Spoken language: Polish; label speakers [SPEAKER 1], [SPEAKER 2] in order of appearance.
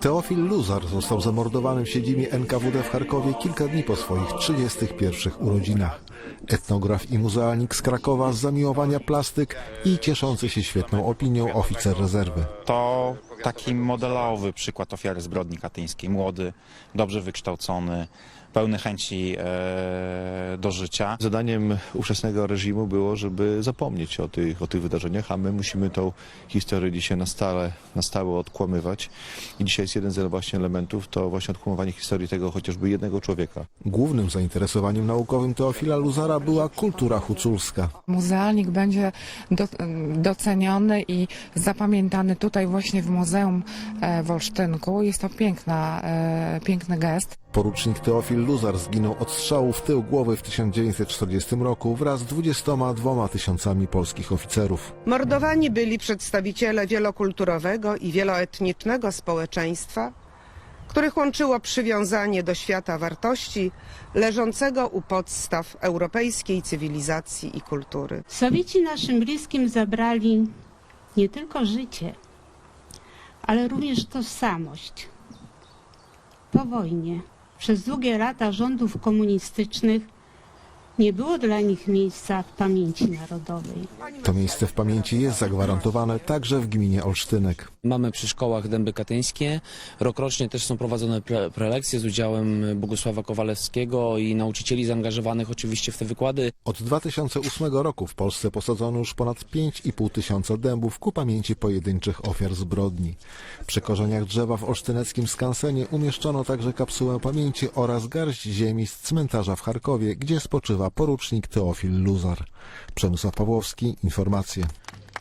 [SPEAKER 1] Teofil Luzar został zamordowany w siedzibie NKWD w Charkowie kilka dni po swoich 31 urodzinach. Etnograf i muzealnik z Krakowa, z zamiłowania plastyk i cieszący się świetną opinią oficer rezerwy.
[SPEAKER 2] To taki modelowy przykład ofiary zbrodni katyńskiej. Młody, dobrze wykształcony, pełny chęci do życia.
[SPEAKER 3] Zadaniem ówczesnego reżimu było, żeby zapomnieć o tych wydarzeniach, a my musimy tą historię dzisiaj na stałe odkłamywać. I dzisiaj jest jeden z właśnie elementów, to właśnie odkłamywanie historii tego chociażby jednego człowieka.
[SPEAKER 1] Głównym zainteresowaniem naukowym Teofila Luzara była kultura huculska.
[SPEAKER 4] Muzealnik będzie doceniony i zapamiętany tutaj właśnie w Muzeum w Olsztynku. Jest to piękny gest.
[SPEAKER 1] Porucznik Teofil Luzar zginął od strzału w tył głowy w 1940 roku wraz z 22 000 polskich oficerów.
[SPEAKER 5] Mordowani byli przedstawiciele wielokulturowego i wieloetnicznego społeczeństwa, których łączyło przywiązanie do świata wartości leżącego u podstaw europejskiej cywilizacji i kultury.
[SPEAKER 6] Sowieci naszym bliskim zabrali nie tylko życie, ale również tożsamość. Po wojnie, przez długie lata rządów komunistycznych, nie było dla nich miejsca w pamięci narodowej.
[SPEAKER 1] To miejsce w pamięci jest zagwarantowane także w gminie Olsztynek.
[SPEAKER 7] Mamy przy szkołach dęby katyńskie. Rokrocznie też są prowadzone prelekcje z udziałem Bogusława Kowalewskiego i nauczycieli zaangażowanych oczywiście w te wykłady.
[SPEAKER 1] Od 2008 roku w Polsce posadzono już ponad 5,5 tysiąca dębów ku pamięci pojedynczych ofiar zbrodni. Przy korzeniach drzewa w olsztyneckim skansenie umieszczono także kapsułę pamięci oraz garść ziemi z cmentarza w Charkowie, gdzie spoczywa porucznik Teofil Luzar. Przemysław Pawłowski, informacje.